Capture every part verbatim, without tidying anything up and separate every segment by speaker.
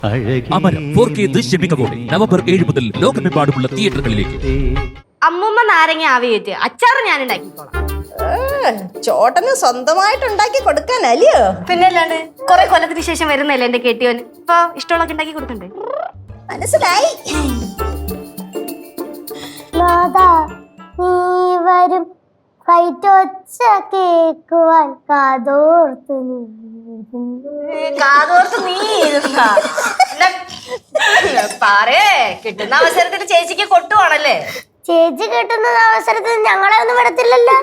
Speaker 1: അമരം four K ദൃശ്യമികവോടെ November ഏഴ് മുതൽ ലോകമെമ്പാടുമുള്ള തിയേറ്ററുകളിലേക്ക്.
Speaker 2: അമ്മൂമ്മ നാരങ്ങ ആവിയേറ്റ് അച്ചാറ് ഞാൻ ഉണ്ടാക്കിക്കോളാം.
Speaker 3: ചോട്ടന് സ്വന്തമായിട്ട് ഉണ്ടാക്കി കൊടുക്കാനല്ലയോ?
Speaker 2: പിന്നെ അല്ലാണ്ട് കൊറേ കൊല്ലത്തിന് ശേഷം വരുന്നല്ലേ എന്റെ കെട്ടിയോന്. ഇപ്പൊ ഇഷ്ടമുള്ളൊക്കെ ഉണ്ടാക്കി കൊടുക്കണ്ടേ?
Speaker 3: മനസ്സിലായി.
Speaker 4: വരും കൈറ്റൊച്ച കേക്കുവാൻ കാതോർത്തു
Speaker 2: കാതോർത്ത് നീ ഇരുന്നാ. പാറേ കിട്ടുന്ന അവസരത്തിൽ ചേച്ചിക്ക് കൊട്ടുവാണല്ലേ?
Speaker 4: ചേച്ചി കിട്ടുന്ന അവസരത്തിൽ ഞങ്ങളെ ഒന്നും വിടത്തില്ലല്ലോ.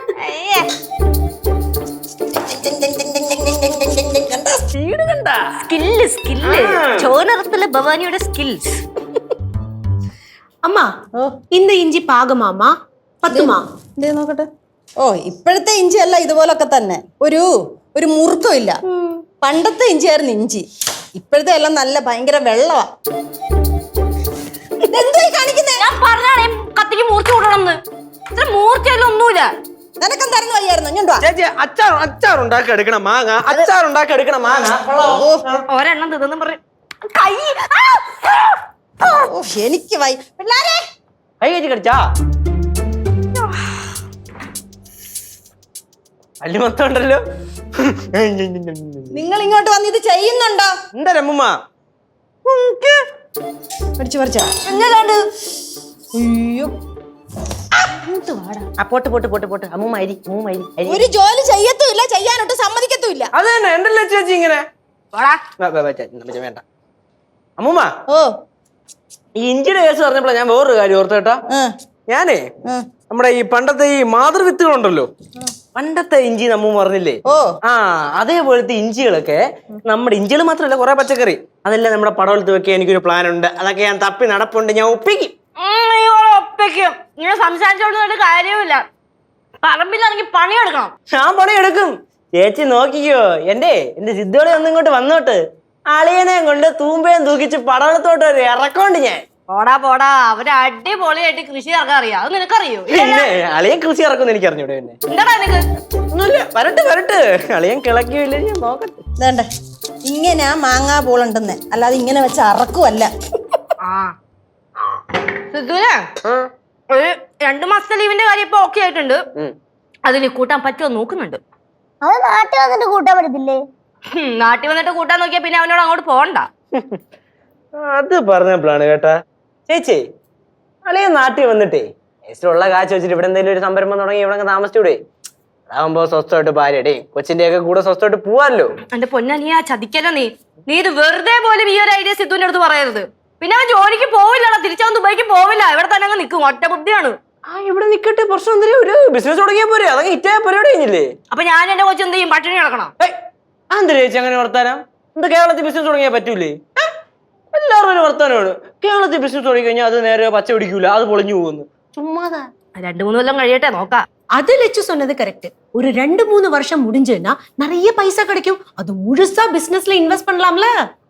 Speaker 2: സ്കില്ല് സ്കില്ല് ചോനറത്തിലെ ഭവാനിയുടെ സ്കിൽസ്.
Speaker 5: அம்மா இந்த இஞ்சி பாகமாமா பத்துமா?
Speaker 3: എന്തേ നോക്കട്ടെ. ഓ ഇപ്പോഴത്തെ ഇഞ്ചി അല്ല ഇതുപോലൊക്കെ തന്നെ. ഒരു ഒരു മുറുക്കം ഇല്ല. പണ്ടത്തെ ഇഞ്ചിയായിരുന്നു ഇഞ്ചി. ഇപ്പോഴത്തെ എല്ലാം നല്ല ഭയങ്കര വെള്ളവാ.
Speaker 2: ഞാൻ പറഞ്ഞാണേ കത്തിക്ക് മൂർച്ച കൂട്ടണമെന്ന്. ഇത്ര മൂർച്ചയെല്ലാം ഒന്നുമില്ല.
Speaker 3: നിനക്കെന്തായിരുന്നു വയ്യായിരുന്നു? ഞാൻ
Speaker 6: ചേച്ചി അച്ചാർ അച്ചാർ ഉണ്ടാക്കി എടുക്കണം മാങ്ങ. അച്ചാർ ഉണ്ടാക്കി എടുക്കണം മാങ്ങ.
Speaker 2: ഒരെണ്ണം തിന്നു പറ കൈ.
Speaker 3: എനിക്ക് വൈ പിള്ളാരെ
Speaker 6: കൈ കയറ്റി കടിച്ചാ അല്ലി മൊത്തം ഉണ്ടല്ലോ.
Speaker 3: നിങ്ങൾ ഇങ്ങോട്ട് വന്ന് ഇത് ചെയ്യുന്നുണ്ടോ?
Speaker 6: എന്താ രമ്മ
Speaker 3: പഠിച്ചു പറിച്ചാ? അയ്യോ
Speaker 6: പോട്ട് പോട്ട് പോട്ട് പോട്ട് അമ്മൂമ്മ അരി അമ്മൂമ്മ അരി അരി.
Speaker 3: ഒരു ജോലി ചെയ്യത്തുമില്ല, ചെയ്യാനൊട്ട് സമ്മതിക്കത്തുമില്ല.
Speaker 6: അത് തന്നെ എന്തല്ലേ ചേച്ചി ഇങ്ങനെ വേണ്ട. അമ്മൂമ്മ
Speaker 3: ഓ
Speaker 6: ഈ ഇഞ്ചിയുടെ കേസ് പറഞ്ഞപ്പോഴാ ഞാൻ വേറൊരു കാര്യം ഓർത്തു കേട്ടാ. ഞാനേ നമ്മുടെ ഈ പണ്ടത്തെ ഈ മാതൃവിത്തുകളുണ്ടല്ലോ, പണ്ടത്തെ ഇഞ്ചി നമ്മ പറഞ്ഞില്ലേ,
Speaker 3: ഓ
Speaker 6: ആ അതേപോലത്തെ ഇഞ്ചികളൊക്കെ നമ്മുടെ ഇഞ്ചികൾ മാത്രമല്ല കുറെ പച്ചക്കറി അതെല്ലാം നമ്മുടെ പടവലത്ത് വെക്കാൻ എനിക്കൊരു പ്ലാൻ ഉണ്ട്. അതൊക്കെ ഞാൻ തപ്പി നടപ്പുണ്ട്, ഞാൻ ഒപ്പിക്കും.
Speaker 2: ഒപ്പിക്കും. ഇങ്ങനെ സംസാരിച്ചോണ്ട് കാര്യമില്ല. പറമ്പിലാണെങ്കിൽ പണിയെടുക്കണം.
Speaker 6: ഞാൻ പണിയെടുക്കും. ചേച്ചി നോക്കിക്കോ. എന്റെ എന്റെ സിദ്ധോളി ഒന്നും ഇങ്ങോട്ട് വന്നോട്ട് അളിയനെ കൊണ്ട് തൂമ്പയും തൂക്കിച്ച് പടവലത്തോട്ട് ഒരു ഇറക്കോണ്ട് ഞാൻ.
Speaker 2: പോടാ പോടാ, അവര് അടിപൊളിയായിട്ട് കൃഷി ഇറക്കാൻ അറിയാം. അത് നിനക്കറിയോ?
Speaker 6: പിന്നെ അളിയൻ കൃഷി ഇറക്കുമെന്ന് എനിക്ക് അറിഞ്ഞൂടെ. പിന്നെ
Speaker 2: എന്താടാ നിനക്ക്?
Speaker 6: ഒന്നുമില്ല, വരട്ട് വരട്ട്. അളിയൻ കിളക്കിയില്ലേ ഞാൻ നോക്കട്ടെ.
Speaker 3: വേണ്ട, ഇങ്ങനെ മാങ്ങാ പൂളുണ്ടെന്ന്, അല്ലാതെ ഇങ്ങനെ വെച്ച് അറക്കുമല്ല.
Speaker 2: ആ സിദ്ധുനെ ഒരു രണ്ടു മാസത്തെ ലീവിന്റെ കാര്യം ഇപ്പൊ ഓക്കെ ആയിട്ടുണ്ട്. അതിന് കൂട്ടാൻ പറ്റുമോ നോക്കുന്നുണ്ട്.
Speaker 4: അത് നാട്ടിൽ വന്നിട്ട് കൂട്ടാൻ പറ്റത്തില്ലേ?
Speaker 2: നാട്ടിൽ വന്നിട്ട് കൂട്ടാൻ നോക്കിയാ പിന്നെ അവനോട് അങ്ങോട്ട് പോകണ്ട.
Speaker 6: അത് പറഞ്ഞപ്പോഴാണ് കേട്ടാ ചേച്ചി, അളിയൻ നാട്ടിൽ വന്നിട്ടേ ഉള്ള കാശ് വെച്ചിട്ട് ഇവിടെ എന്തെങ്കിലും ഒരു സംരംഭം തുടങ്ങി ഇവിടെ താമസിച്ചൂടെ? അതാകുമ്പോ സ്വസ്ഥമായിട്ട് ഭാര്യയുടെ കൊച്ചിന്റെ ഒക്കെ കൂടെ സ്വസ്ഥമായിട്ട് പോവാല്ലോ.
Speaker 2: എന്റെ പൊന്നാ, നീ ആ ചതിക്കല്ലോ. നീ നീ ഇത് വെറുതെ പോലും ഈ ഒരു ഐഡിയ സിദ്ധുവിന്റെ അടുത്ത് പറയരുത്. പിന്നെ അവൻ ജോലിക്ക് പോവില്ലല്ലോ, തിരിച്ചവൻ ദുബൈക്ക് പോവില്ല. ഇവിടെ തന്നെ അങ്ങ് നിൽക്കും. ഒറ്റ ബുദ്ധിയാണ്.
Speaker 6: ആ ഇവിടെ നിക്കട്ടെ, പ്രശ്നം എന്തെങ്കിലും ഒരു ബിസിനസ് തുടങ്ങിയാ പോരെ? അതൊക്കെ ഹിറ്റായ പരിപാടി കഴിഞ്ഞില്ലേ?
Speaker 2: അപ്പൊ ഞാൻ എന്റെ കൊച്ചു എന്ത് ചെയ്യും? പട്ടിണി കിടക്കണം.
Speaker 6: എന്താ ചേച്ചി അങ്ങനെ വർത്താനം? എന്താ കേരളത്തിൽ ബിസിനസ് തുടങ്ങിയാൽ പറ്റൂലേ? എല്ലാവരും ഒരു വർത്താനമാണ്. കേരളത്തിൽ ബിസിനസ് തുടങ്ങി കഴിഞ്ഞാൽ അത് നേരെ പച്ച പിടിക്കൂല, അത് പൊളിഞ്ഞു പോകുന്നു. ചുമ്മാതാ.
Speaker 2: രണ്ടു മൂന്ന് കൊല്ലം കഴിയട്ടെ, നോക്കാം.
Speaker 5: அது லட்சு சொன்னது கரெக்ட். ஒரு ரெண்டு மூணு வருஷம் முடிஞ்சுன்னா நிறைய பைசா கிடைக்கும். அது முழுசா பிசினஸ்ல இன்வெஸ்ட் பண்ணலாம்ல.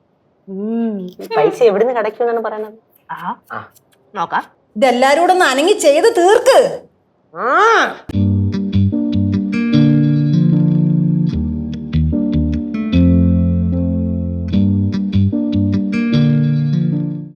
Speaker 6: പൈസ എവിടുന്ന് കിടക്കുമെന്നാണ് പറയണത്.
Speaker 2: നോക്കാം.
Speaker 3: ഇതെല്ലാരും കൂടെ ഒന്ന് അനങ്ങി ചെയ്ത് തീർക്ക്.
Speaker 6: ആ